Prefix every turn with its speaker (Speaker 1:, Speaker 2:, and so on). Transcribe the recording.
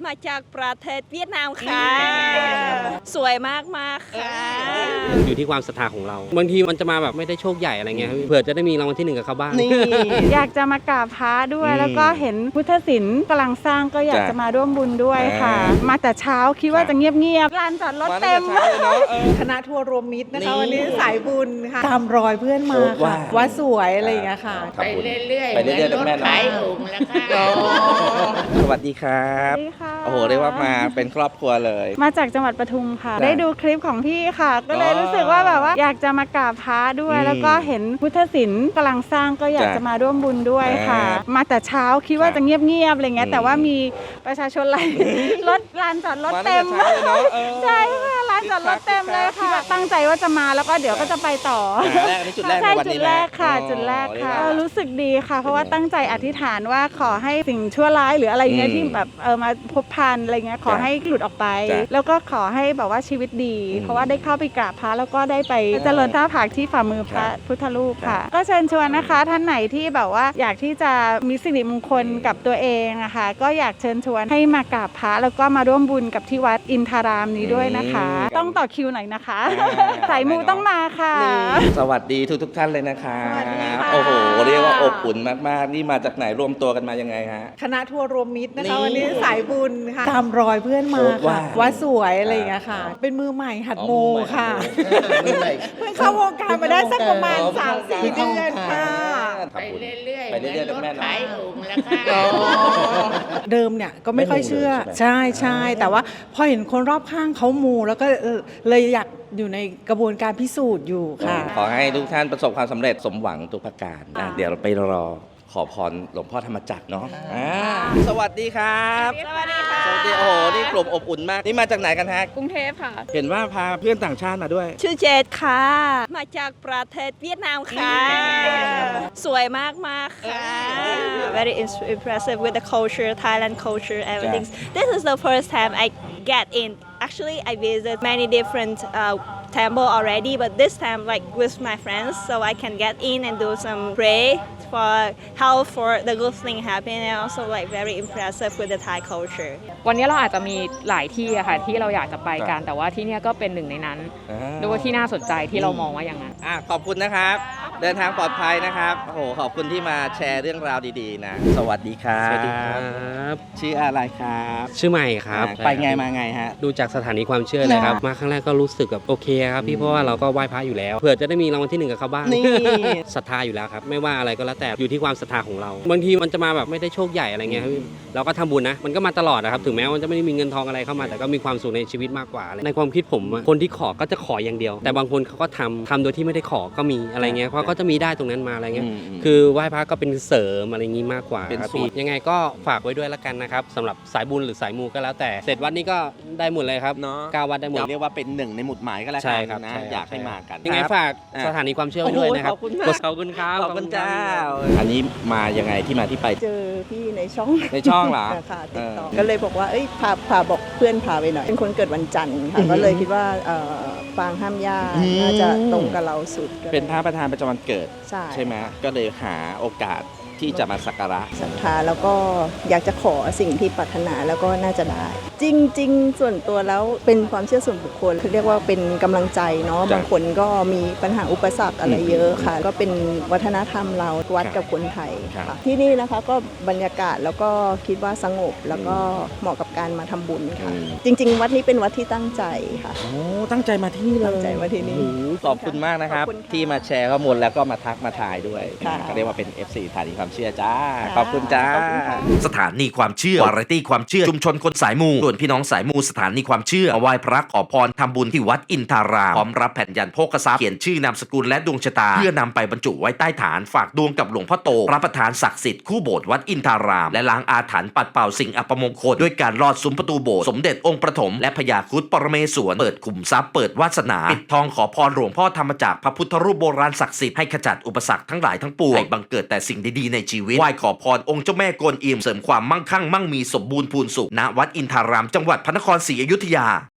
Speaker 1: มาจากประเทศเวียดนามค่ะสวยมากมากค่ะ
Speaker 2: อยู่ที่ความศรัทธาของเราบางทีมันจะมาแบบไม่ได้โชคใหญ่อะไรเงี้ยเผื่อจะได้มีรางวัลที่1กับเขาบ้าง
Speaker 3: นี่ อยากจะมากราบพระด้วยแล้วก็เห็นพุทธศิลป์กำลังสร้างก็อยากจะมาร่วมบุญด้วยค่ะ มาแต่เช้าคิดว่าจะเงียบๆลานจอดรถเต็ม
Speaker 4: คณะทัวร์รวมมิตรนะคะวันนี้สายบุญค่ะตามรอยเพื่อนมาค่ะวัดสวยอะไรอย่างเงี้ยค่ะ
Speaker 5: ไปเรื่อยๆ
Speaker 6: ไปเรื่อยๆ
Speaker 5: รถ
Speaker 6: แม่
Speaker 5: ขายองค์แล้วค่ะ
Speaker 6: สวัสดีครับโอ้โหเรียกว่ามาเป็นครอบครัวเลย
Speaker 3: มาจากจังหวัดปทุมค่ะได้ดูคลิปของพี่ค่ะ ก็เลยรู้สึกว่าแบบว่าอยากจะมากราบพระด้วยแล้วก็เห็นพุทธศิลป์กำลังสร้างก็อยากจะมาร่วมบุญด้วยค่ะ มาแต่เช้าคิดว่าจะเงียบๆอะไรเงี้ยแต่ว่ามีประชาชนรถลานจอดรถเต็มใช่ค่ะลานจอดรถเต็มเลยค่ะตั้งใจว่าจะมาแล้วก็เดี๋ยวก็จะไปต่อ
Speaker 6: จุดแรกในวันนี้
Speaker 3: จุดแรกค่ะจุดแรกค่ะรู้สึกดีค่ะเพราะว่าตั้งใจอธิษฐานว่าขอให้สิ่งชั่วร้ายหรืออะไรเงี้ยที่แบบมาพบพันอะไรเงี้ยขอให้หลุดออกไปแล้วก็ขอให้แบบว่าชีวิตดีเพราะว่าได้เข้าไปกราบพระแล้วก็ได้ไปเจริญท่าผากที่ฝ่ามือพระพุทธรูปค่ะก็เชิญชวนนะคะท่านไหนที่แบบว่าอยากที่จะมีสิริมงคลกับตัวเองนะคะก็อยากเชิญชวนให้มากราบพระแล้วก็มาร่วมบุญกับที่วัดอินทารามนี้ด้วยนะคะต้องต่อคิวหน่อยนะคะสายมูต้องมาค่ะ
Speaker 6: สวัสดีทุกท่านเลยนะคะโอ้โหเรียกว่าอบอุ่นมากๆนี่มาจากไหนรวมตัวกันมายังไงฮะ
Speaker 4: คณะทัวร์รวมมิตรนะคะวันนี้สายบุญค่ะตามรอยเพื่อนมาค่ะวัดสวยอะไรอย่างเงี้ยค่ะเป็นมือใหม่หัดโมค่ะเพิ่งเข้าวงการมาได้สักประมาณ 3-4 เดือนค่ะ
Speaker 5: ไปเรื่อยๆ
Speaker 6: ไปเรื่อยๆ
Speaker 5: รถ
Speaker 6: แม่เนาะ
Speaker 5: ขายองค์แล้วค่ะ
Speaker 4: เดิมเนี่ยก็ไม่ค่อยเชื่อใช่แต่ว่าพอเห็นคนรอบข้างเขามูแล้วก็เลยอยากอยู่ในกระบวนการพิสูจน์อยู่ค่ะ
Speaker 6: ขอให้ทุกท่านประสบความสำเร็จสมหวังทุกประการเดี๋ยวเราไปรอขอพรหลวงพ่อธรรมจักรเนาะสวัสดีครับ
Speaker 1: สวัสดีค่ะ
Speaker 6: สวัสดีโอ้โหนี่กลุ่มอบอุ่นมากนี่มาจากไหนกันฮะ
Speaker 1: กรุงเทพค่ะ
Speaker 6: เห็นว่าพาเพื่อนต่างชาติมาด้วย
Speaker 1: ชื่อเจดค่ะมาจากประเทศเวียดนามค่ะสวยมากมากค่ะ very impressive with the culture Thailand culture everything this is the first time I get in actually I visit many different temple already but this time like with my friends so I can get in and do some pray for help for the good thing happen and also like very impressive with the Thai culture
Speaker 7: วันนี้เราอาจจะมีหลายที่อะค่ะที่เราอยากจะไปกันแต่ว่าที่นี่ก็เป็นหนึ่งในนั้นดูว่าที่น่าสนใจที่เรามองว่าอย่างนั้น
Speaker 6: ขอบคุณนะครับเดินทางปลอดภัยนะครับโอ้โหขอบคุณที่มาแชร์เรื่องราวดีๆนะสวัสดีครับ
Speaker 2: สวัสดีครับ
Speaker 6: ชื่ออะไรครับ
Speaker 2: ชื่อใหม่ครับ
Speaker 6: ไปไงมาไงฮะ
Speaker 2: ดูจากสถานีความเชื่อเลยครับมาครั้งแรกก็รู้สึกแบบโอเคครับพี่เพราะว่าเราก็ไหว้พระอยู่แล้วเผื่อจะได้มีรางวัลที่1กับเขาบ้างศรัทธาอยู่แล้วครับไม่ว่าอะไรก็แล้วแต่อยู่ที่ความศรัทธาของเราบางทีมันจะมาแบบไม่ได้โชคใหญ่อะไรเงี้ยเราก็ทำบุญนะมันก็มาตลอดนะครับถึงแม้ว่าจะไม่ได้มีเงินทองอะไรเข้ามาแต่ก็มีความสุขในชีวิตมากกว่าในความคิดผมคนที่ขอก็จะขออย่างเดียวแต่บางคนเขาก็ทำโดยที่ไม่ได้ขอก็มีอะไรเงี้ยเพราะก็จะมีได้ตรงนั้นมาอะไรเงี้ยคือไหว้พระก็เป็นเสริมอะไรงี้มากกว่าครับพี่ยังไงก็ฝากไว้ด้วยละกันนะครับสำหรับสายบุญหรือสายมูก็แล้วแต่เสร็จวัดนี้ก็ได้หมดเลยครับ9 วัดได้หมด
Speaker 6: เรียกว่าเป็นหนึ่งในหมุดหมายก็แล้วกันนะอยากให้มากัน
Speaker 2: ยังไงฝากสถานีความเชื่อไว้ด้วยนะครับขอบคุณครับ
Speaker 6: ขอบคุณเจ้าอันนี้มายังไงที่มาที่ไป
Speaker 8: เจอพี่ในช่อง
Speaker 6: เหรอ
Speaker 8: ค่ะติดต่อก็เลยบอกว่าเอ้ยพาบอกเพื่อนพาไปหน่อยเป็นคนเกิดวันจันทร์ค่ะก็เลยคิดว่าฟางห้ามยากน่าจะตรงกับเราสุด
Speaker 6: เป็นพระประธานประจำวันเกิดใช่ไหมก็เลยหาโอกาสที่จะมาสักการะ
Speaker 8: ศรัทธาแล้วก็อยากจะขอสิ่งที่ปรารถนาแล้วก็น่าจะได้จริงๆส่วนตัวแล้วเป็นความเชื่อส่วนบุคคลเรียกว่าเป็นกำลังใจเนาะบางคนก็มีปัญหาอุปสรรคอะไรเยอะค่ะก็เป็นวัฒนธรรมเราวัดกับคนไทยค่ะที่นี่นะคะก็บรรยากาศแล้วก็คิดว่าสงบแล้วก็เหมาะกับการมาทำบุญค่ะจริงๆวัดนี้เป็นวัดที่ตั้งใจค่ะ
Speaker 6: โอ้ตั้งใจมาที่นี่เลย
Speaker 8: ตั้งใจมาที่นี่
Speaker 6: ขอบคุณมากนะครับที่มาแชร์ข้อมูลแล้วก็มาทักมาถ่ายด้วยก็เรียกว่าเป็น FC สถานีความเชื่อจ้าขอบคุณจ้า
Speaker 9: สถานีความเชื่อวาไรตี้ความเชื่อชุมชนคนสายมูส่วนพี่น้องสายมูสถานีความเชื่อมาไหว้พระขอพรทำบุญที่วัดอินทารามพร้อมรับแผ่นยันโภคทรัพย์เขียนชื่อนามสกุลและดวงชะตาเพื่อนำไปบรรจุไว้ใต้ฐานฝากดวงกับหลวงพ่อโตพระประธานศักดิ์สิทธิ์คู่โบสถ์วัดอินทารามและล้างอาถรรพ์ปัดเป่าสิ่งอัปมงคลด้วยการลอดซุ้มประตูโบสถ์สมเด็จองค์ประถมและพญาครุฑปรเมศวรเปิดขุมทรัพย์เปิดวาสนาปิดทองขอพรหลวงพ่อธรรมจักรพระพุทธรูปโบราณศักดิ์สิทธิ์ให้ขจัดอุปสรรคทั้งหลายทั้งปวงให้บังเกิดแต่สิ่งดีๆในชีวิตไหว้ขอพรองค์เจ้าแม่กวนอิมเสริมความมั่งคั่งมั่งมีสมบูรณ์พูนสุขณวัดอินทารามจังหวัดพระนครศรีอยุธยา